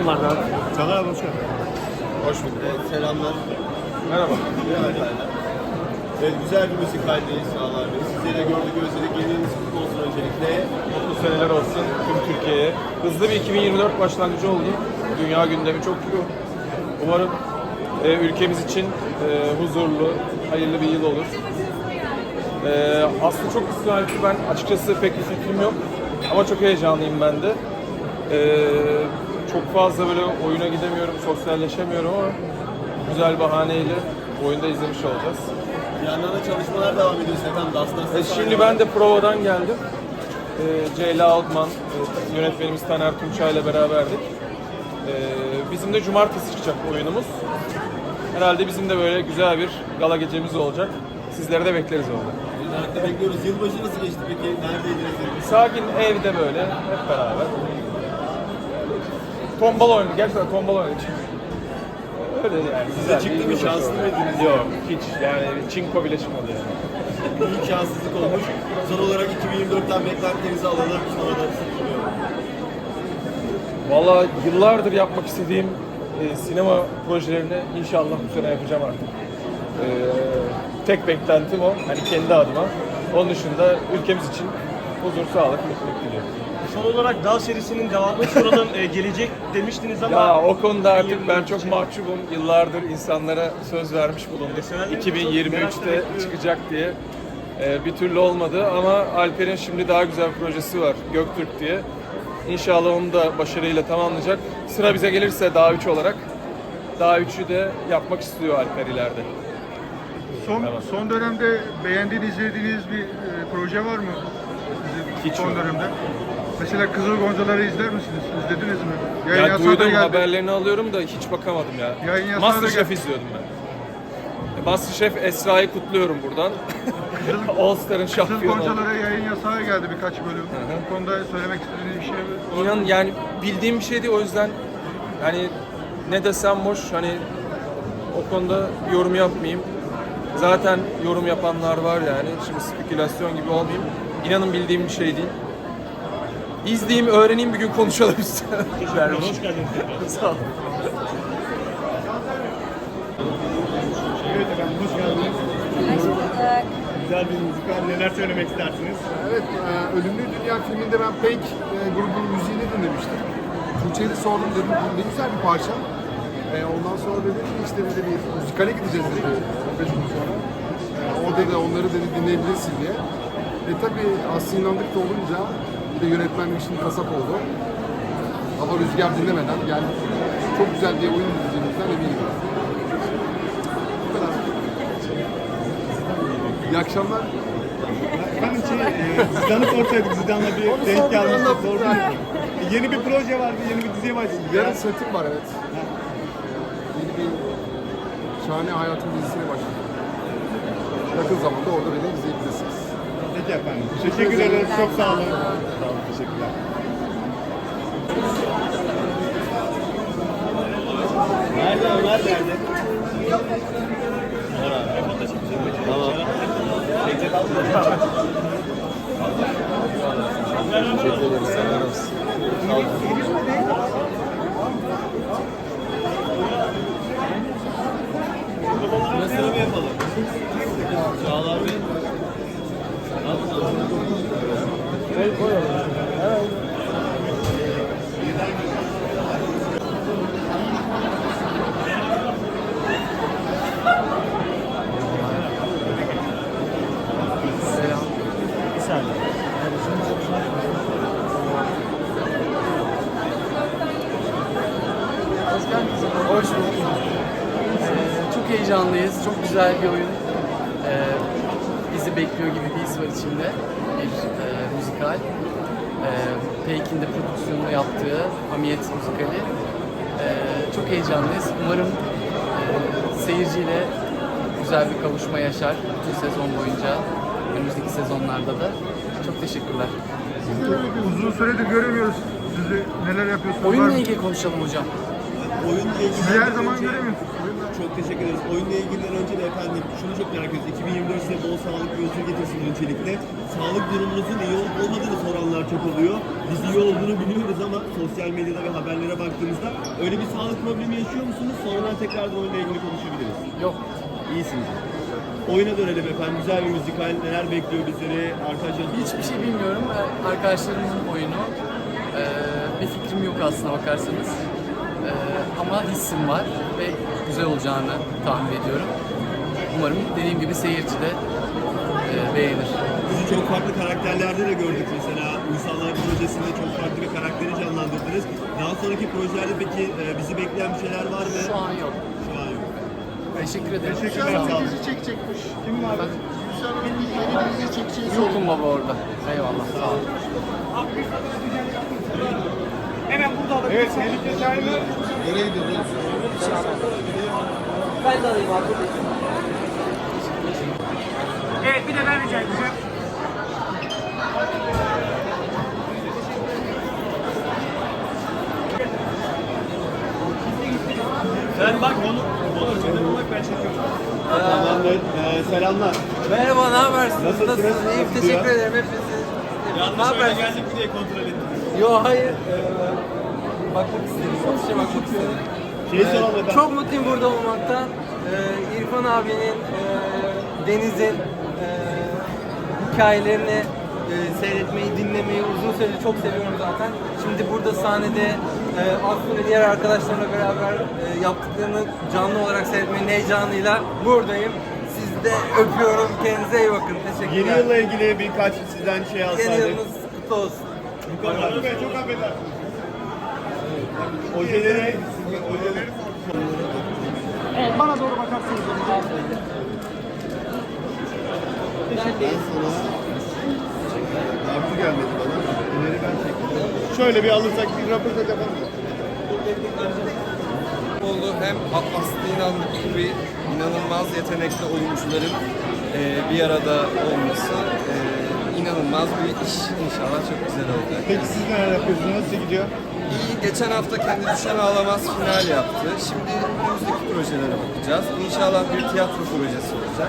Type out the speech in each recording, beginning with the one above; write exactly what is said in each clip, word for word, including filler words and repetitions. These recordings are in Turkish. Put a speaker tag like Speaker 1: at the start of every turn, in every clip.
Speaker 1: Selamlardan.
Speaker 2: Çağlar abi hoş geldin.
Speaker 3: Hoş bulduk. Evet, selamlar.
Speaker 2: Merhaba.
Speaker 3: Merhaba efendim. Evet, güzel bir müzikaldeyiz Çağlar Bey. Sizleri de gördük, özledik. Yeni kutlu olsun öncelikle.
Speaker 2: Mutlu seneler olsun tüm Türkiye'ye. Hızlı bir iki bin yirmi dört başlangıcı oldu. Dünya gündemi çok yoğun. Umarım e, ülkemiz için e, huzurlu, hayırlı bir yıl olur. E, aslında çok ısrarcı, ben açıkçası pek bir fikrim yok. Ama çok heyecanlıyım ben de. E, çok fazla böyle oyuna gidemiyorum, sosyalleşemiyorum ama güzel bahaneyle oyunda izlemiş olacağız.
Speaker 3: Bir yandan da çalışmalar devam ediyor efendim. Aslında
Speaker 2: E, şimdi ben de provadan geldim. E, Ceyla Altman, e, yönetmenimiz Taner Tunçay ile beraberdik. E, bizim de cumartesi çıkacak oyunumuz. Herhalde bizim de böyle güzel bir gala gecemiz olacak. Sizleri de bekleriz orada.
Speaker 3: Merakla bekliyoruz. Yılbaşı nasıl geçti peki? Neredeydiniz?
Speaker 2: Sakin evde böyle hep beraber. Tombala oynadık. Gerçekten tombala oynadık. Öyle yani. Güzel.
Speaker 3: çıktı
Speaker 2: bir
Speaker 3: mı?
Speaker 2: yılbaşı
Speaker 3: Şanslı
Speaker 2: oldu.
Speaker 3: mıydınız?
Speaker 2: Yok hiç. Yani çinko bile çıkmadı yani.
Speaker 3: Büyük şanssızlık olmuş. Son olarak iki bin yirmi dörtten beklentilerinizi alalım. Sonra da
Speaker 2: Valla yıllardır yapmak istediğim e, sinema projelerini inşallah bu sene yapacağım artık. E, tek beklentim o. Hani kendi adıma. Onun dışında ülkemiz için huzur, sağlık, mutluluk diliyorum.
Speaker 1: Son olarak Dağ serisinin devamını soralım. Ee, gelecek demiştiniz ama...
Speaker 2: Ya o konuda artık
Speaker 1: iki bin yirmi
Speaker 2: ben
Speaker 1: dört
Speaker 2: çok
Speaker 1: için.
Speaker 2: mahcubum. Yıllardır insanlara söz vermiş bulundum.
Speaker 1: Sevenlerimiz
Speaker 2: iki bin yirmi
Speaker 1: çok
Speaker 2: üçte
Speaker 1: merakla bekliyor.
Speaker 2: çıkacak diye. Ee, bir türlü olmadı ama Alper'in şimdi daha güzel bir projesi var. Göktürk diye. İnşallah onu da başarıyla tamamlayacak. Sıra bize gelirse Dağ üç olarak Dağ üçü de yapmak istiyor Alper ileride.
Speaker 4: Son
Speaker 2: Tamam.
Speaker 4: son dönemde beğendiğiniz, izlediğiniz bir e, proje var mı? Sizin
Speaker 2: Hiç
Speaker 4: son
Speaker 2: yok.
Speaker 4: dönemde. Mesela Kızıl Goncaları izler misiniz? İzlediniz mi? Yayın
Speaker 2: Ya
Speaker 4: yasağı da
Speaker 2: duydum,
Speaker 4: geldi.
Speaker 2: haberlerini alıyorum da hiç bakamadım ya.
Speaker 4: Yayın yasağı da
Speaker 2: Masterchef
Speaker 4: geldi.
Speaker 2: izliyordum ben. Masterchef Esra'yı kutluyorum buradan. All Star'ın
Speaker 4: Kızıl
Speaker 2: şampiyonu oldu.
Speaker 4: Goncalara yayın yasağı geldi birkaç bölüm.
Speaker 2: hı.
Speaker 4: Bu konuda söylemek istediğiniz bir şey var mı?
Speaker 2: İnan yani bildiğim bir şey değil, o yüzden hani ne desem boş, hani o konuda yorum yapmayayım. Zaten yorum yapanlar var yani. Şimdi spekülasyon gibi olmayayım. İnanın bildiğim bir şey değil. İzleyeyim, öğreneyim, bir gün konuşalım üstüne.
Speaker 1: Hoş geldiniz tekrar.
Speaker 2: Sağ olun.
Speaker 5: Evet efendim, hoş geldiniz. Güzel bir müzikal, neler söylemek istersiniz?
Speaker 6: Evet, e, Ölümlü Dünya filminde ben Pink e, grubunun müziğini dinlemiştim. Tuğçe'ye de sordum, dedim bu ne güzel bir parça. E, ondan sonra dedi ki işte dedi bir müzikale gideceğiz dedi on beş gün sonra. E, o dedi onları dedi dinleyebilirsin diye. E tabi Aslı İnandık da olunca bir de yönetmenlik için kasap oldu. Hava rüzgar dinlemeden yani çok güzel diye oyun izleyeceğimizden eminim. Bu kadar. İyi akşamlar.
Speaker 5: Efendim şey, e, Zidane'ı sorsaydık, Zidane'la bir
Speaker 6: Onu
Speaker 5: denk
Speaker 6: sordum,
Speaker 5: gelmiştik,
Speaker 6: anlattım
Speaker 5: doğru
Speaker 6: zaten.
Speaker 5: değil mi? E, Yeni bir proje var, yeni bir diziye başlayacak.
Speaker 6: Yarın setim var evet. Yeni bir Şahane Hayatım dizisine başladım. Yakın zamanda orada beni izleyebilirsiniz.
Speaker 5: Peki efendim, teşekkür ederiz, çok sağ olun. Sağ olun, teşekkürler.
Speaker 3: Nerede Ömer nerede? Ömer abi. Tamam.
Speaker 2: Teşekkür ederiz. Selam olsun.
Speaker 3: Nasıl mı yapalım? Çağlar Bey.
Speaker 1: Bir saniye.
Speaker 7: Hoş bulduk. Ee, çok heyecanlıyız. Çok güzel bir oyun. Ee, bizi bekliyor gibi bir his var içimde. Bir e, müzikal. Ee, Peyk'in de prodüksiyonunu yaptığı Hamiyet müzikali. Ee, çok heyecanlıyız. Umarım e, seyirciyle güzel bir kavuşma yaşar bütün sezon boyunca. Önümüzdeki sezonlarda da. Çok teşekkürler.
Speaker 4: Uzun süredir göremiyoruz sizi. Neler yapıyorsunuz? Var
Speaker 7: Oyunla
Speaker 4: mı?
Speaker 7: ilgili konuşalım hocam.
Speaker 3: oyunla ilgili...
Speaker 4: Sizi her zaman göremiyoruz.
Speaker 3: Çok teşekkür ederiz. Oyunla ilgili önce de efendim şunu çok merak ediyoruz. iki bin yirmi dört size bol sağlık ve huzur getirsin öncelikle. Sağlık durumunuzun iyi olup olmadığını soranlar çok oluyor. Biz iyi olduğunu biliyoruz ama sosyal medyada ve haberlere baktığımızda öyle bir sağlık problemi yaşıyor musunuz? Sonradan tekrardan oyunla ilgili konuşabiliriz.
Speaker 7: Yok.
Speaker 3: İyisiniz. Oyuna dönelim efendim. Güzel bir müzikal. Neler bekliyor bizleri? Arkadaşlar
Speaker 7: Hiçbir şey bilmiyorum. Ee, Arkadaşlarımızın oyunu. Ee, bir fikrim yok aslına bakarsanız. Ee, ama hissim var ve güzel olacağını tahmin ediyorum. Umarım dediğim gibi seyirci de e, beğenir.
Speaker 3: Sizi çok farklı karakterlerde de gördük mesela. Uysallar projesinde çok farklı bir karakteri canlandırdınız. Daha sonraki projelerde peki e, bizi bekleyen bir şeyler var mı?
Speaker 7: Şu an yok.
Speaker 3: Şu an yok.
Speaker 7: Teşekkür ederim.
Speaker 4: Teşekkür
Speaker 7: Sağ olun.
Speaker 4: ederim. Dizi çekecekmiş. Kim var? Gülşen Hanım bir yeni bir dizi çekeceğiz.
Speaker 7: Yokum baba orada. Eyvallah. Sağ olun.
Speaker 4: Evet, Melike Şahin'e
Speaker 6: Nereye gidiyoruz?
Speaker 5: Evet bir de ben rica edeceğim.
Speaker 1: Sen bak onu, onu çekelim bak ben çekiyorum.
Speaker 3: Tamamdır. Ee, selamlar.
Speaker 8: Merhaba, ne habersiniz?
Speaker 3: Nasılsınız?
Speaker 8: Nasılsınız? İyiyim,
Speaker 3: Nasıl
Speaker 8: teşekkür
Speaker 3: ya?
Speaker 8: ederim hepinize. Ne
Speaker 3: Yanlış öyle
Speaker 8: habersiniz?
Speaker 3: geldik mi diye kontrol ettim.
Speaker 8: Yo, hayır. Ee, bakmak istedim, ofise bakmak istedim.
Speaker 3: Şeyi
Speaker 8: Ee,
Speaker 3: soralım efendim.
Speaker 8: çok mutluyum burada olmaktan. Ee, İrfan abinin, e, Deniz'in e, hikayelerini e, seyretmeyi, dinlemeyi uzun süredir çok seviyorum zaten. Şimdi burada sahnede e, Aslı ve diğer arkadaşlarımla beraber e, yaptıklarını canlı olarak seyretmenin heyecanıyla buradayım. Sizi de öpüyorum. Kendinize iyi bakın. Teşekkürler.
Speaker 3: Yeni yılla ilgili birkaç sizden şey
Speaker 8: Yeni
Speaker 3: alsaydık.
Speaker 8: yılınız kutlu olsun.
Speaker 3: Bu kadar. Çok affedersiniz. Ojeleri, ojeleri
Speaker 5: Bana doğru bakarsınız.
Speaker 3: ben sana Arzu gelmedi bana. İleri ben çektim. Şöyle bir alırsak bir röportaj yapalım.
Speaker 9: oldu. Hem Aslı İnandık gibi inanılmaz yetenekli oyuncuların e, bir arada olması e, inanılmaz bir iş. İnşallah çok güzel olacak.
Speaker 3: Peki siz neler yapıyorsunuz? Nasıl gidiyor?
Speaker 9: İyi, geçen hafta Kendi Düşen Ağlamaz final yaptı. Şimdi önümüzdeki projelere bakacağız. İnşallah bir tiyatro projesi olacak.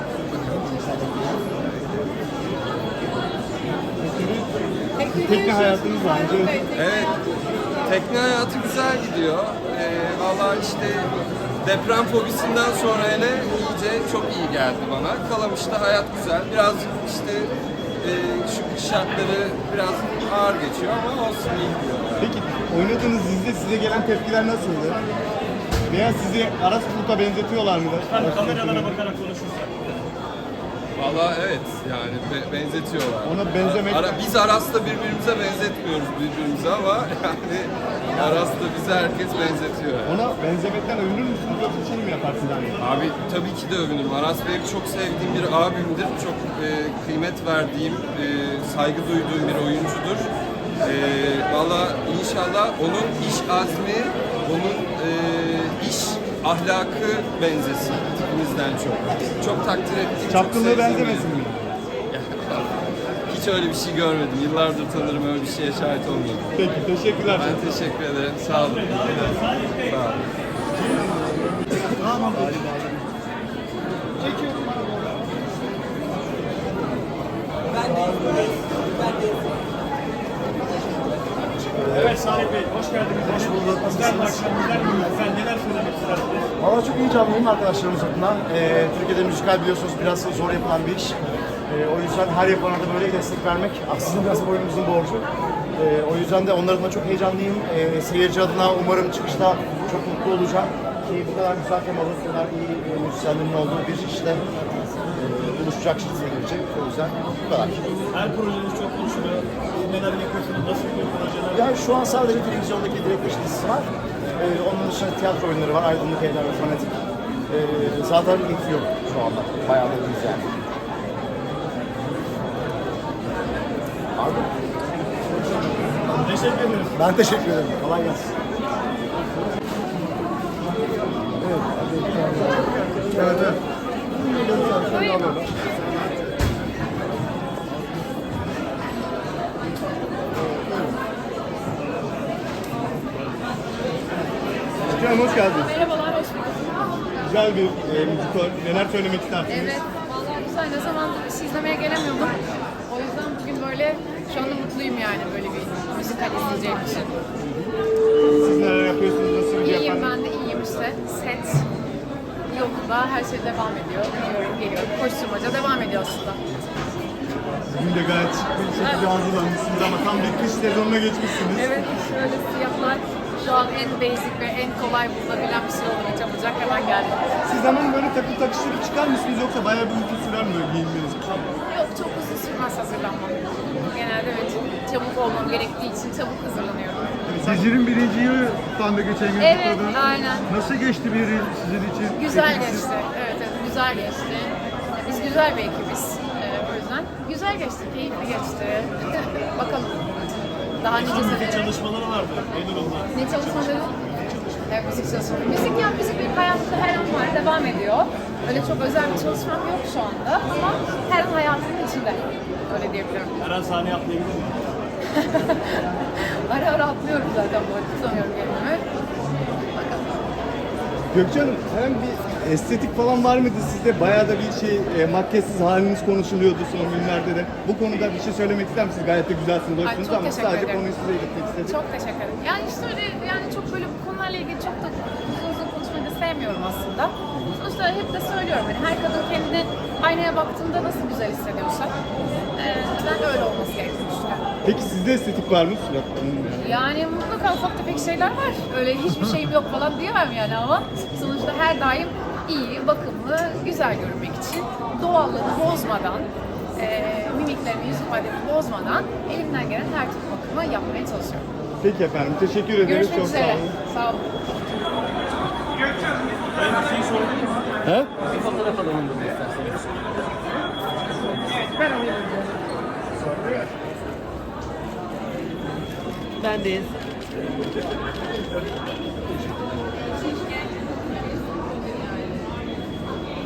Speaker 3: Tekne hayatınız var mı?
Speaker 9: Evet, tekne hayatı güzel gidiyor. Ee, Valla işte deprem fobisinden sonra hele iyice çok iyi geldi bana. Kalamış'ta hayat güzel. Birazcık işte e, şu kış şartları biraz ağır geçiyor ama olsun, iyi gidiyor.
Speaker 3: Peki oynadığınız dizide size gelen tepkiler nasıldı? Veya sizi Aras Bulut'a benzetiyorlar mı?
Speaker 1: Efendim kameralara bakarak konuşursak.
Speaker 9: Valla evet, yani be- benzetiyorlar.
Speaker 3: Ona benzemek-
Speaker 9: Ara, biz Aras'ta birbirimize benzetmiyoruz birbirimize ama yani Aras'ta bize herkes benzetiyor. Yani.
Speaker 3: Ona benzemekten övünür müsünüz yoksa şey mi yaparsınız? Yani?
Speaker 9: Abi tabii ki de övünürüm. Aras Bey çok sevdiğim bir abimdir. Çok e, kıymet verdiğim, e, saygı duyduğum bir oyuncudur. E, Valla inşallah onun iş azmi, onun e, iş ahlakı benzesin tipimizden çok. Çok takdir ettiğim, çok
Speaker 3: Çapkınlığı
Speaker 9: sevdiğim
Speaker 3: benzemesin
Speaker 9: biri.
Speaker 3: mi?
Speaker 9: Hiç öyle bir şey görmedim. Yıllardır tanırım, öyle bir şeye şahit olmadım.
Speaker 3: Peki teşekkürler.
Speaker 9: Ben teşekkür ederim. Sağ olun. Sağ olun.
Speaker 1: Evet Salih Bey, hoş geldiniz. Hoş bulduk. Güzel bir akşam, güzel bir gün. Sen neler söylemek istersiniz?
Speaker 10: Valla çok heyecanlıyım arkadaşlarımız adına. Ee, Türkiye'de müzikal biliyorsunuz biraz zor yapılan bir iş. Ee, o yüzden her yapana da böyle destek vermek aslında biraz oyunumuzun borcu. Ee, o yüzden de onlar adına çok heyecanlıyım. Ee, seyirci adına umarım çıkışta çok mutlu olacağım. Ki bu kadar güzel temalı, bu kadar iyi e, müzisyenlerin olduğu bir işte e, buluşacak şekilde gelecek. O yüzden bu kadar.
Speaker 1: Her projeniz çok konuşuluyor. Neler yapıyorsunuz, nasıl bir projeler?
Speaker 10: Yani şu an sadece televizyondaki direkt beş dizisi var. Ee, onun dışında tiyatro oyunları var. Aydınlık Evler ve Fanatik. Ee, zaten ilk yok şu anda. Bayağı da iyiyiz yani. Abi,
Speaker 1: Teşekkür ederim.
Speaker 10: ben teşekkür ederim. Kolay gelsin.
Speaker 4: Evet, evet.
Speaker 5: Canım hoş geldiniz.
Speaker 11: Merhabalar, hoş bulduk.
Speaker 5: Güzel bir e, müzikal. Neler söylemek istersiniz?
Speaker 11: Evet, vallahi güzel. Ne zamandır bir şey izlemeye gelemiyordum. O yüzden bugün böyle, şu anda mutluyum yani böyle bir müzikal izleyeceğim için.
Speaker 5: Siz neler yapıyorsunuz? Nasıl bir
Speaker 11: İyiyim,
Speaker 5: efendim?
Speaker 11: ben de iyiyim işte. Set yolunda, her şey devam ediyor. Gidiyorum, geliyorum. Koşturmaca devam ediyor aslında.
Speaker 5: Bugün de gayet şık bir şekilde hazırlanmışsınız ama tam bir kış sezonuna geçmişsiniz.
Speaker 11: Evet, şöyle siyahlar şu an en basic ve en kolay bulunabilen bir şey olmaya çabucak hemen geldi.
Speaker 5: Siz hemen böyle takım takıştırıp çıkar mısınız yoksa bayağı bir uzun sürer mi böyle giyinmeniz?
Speaker 11: Yok, çok uzun sürmez hazırlanmam. Genelde evet, çabuk olmam gerektiği için çabuk hazırlanıyorum.
Speaker 4: Dizinin birinci yılı kutlağında geçen gün
Speaker 11: Evet,
Speaker 4: kutladı.
Speaker 11: aynen.
Speaker 4: Nasıl geçti bir yıl sizin için?
Speaker 11: Güzel
Speaker 4: Ekipsiz.
Speaker 11: geçti. Evet, evet, güzel geçti. Biz güzel bir ekibiz. Ee, o yüzden güzel geçti, keyifli geçti. Bakalım. Daha nice senelere.
Speaker 5: Çalışmaları vardı. Neler oldu?
Speaker 11: Ne çalışmaları? Evet, müzik çalışmaları. Müzik ya, müzik benim hayatımda her an var, devam ediyor. Öyle çok özel bir çalışmam yok şu anda ama her an hayatımın içinde. Öyle diyebilirim.
Speaker 1: Her an sahneye atlayabilir miyim?
Speaker 11: Ara ara atlıyorum zaten bu arada, tutamıyorum kendimi. Bakalım.
Speaker 5: Gökçe Hanım, hem bir estetik falan var mıydı sizde? Bayağı da bir şey, e, makyajsız haliniz konuşuluyordu son günlerde de. Bu konuda bir şey söylemek ister misiniz? Gayet de güzelsiniz, hoşsunuz
Speaker 11: çok
Speaker 5: ama
Speaker 11: teşekkür
Speaker 5: sadece
Speaker 11: ederim.
Speaker 5: konuyu size iletmek istedim.
Speaker 11: Çok teşekkür ederim. Yani işte öyle, yani çok böyle bu konularla ilgili çok da uzun uzun konuşmayı da sevmiyorum aslında. Sonuçta hep de söylüyorum, yani her kadın kendini aynaya baktığında nasıl güzel hissediyorsa e, ben öyle olması gerektiğini düşünüyorum.
Speaker 5: Peki sizde estetik var mı Surat Hanım?
Speaker 11: Yani mutlaka ufak tefek şeyler var. Öyle hiçbir şeyim yok falan diyemem yani ama sonuçta her daim iyi, bakımlı, güzel görünmek için doğallığını bozmadan, e, mimiklerimi, yüz ifademi bozmadan elimden gelen her türlü bakımı yapmaya çalışıyorum.
Speaker 5: Peki efendim, teşekkür ederiz.
Speaker 11: Görüşmek
Speaker 5: Çok
Speaker 11: üzere.
Speaker 5: sağ olun.
Speaker 11: Sağ olun.
Speaker 5: He?
Speaker 7: Bir fotoğraf alalım burada isterseniz.
Speaker 11: Ben alayım.
Speaker 8: Bendeyiz.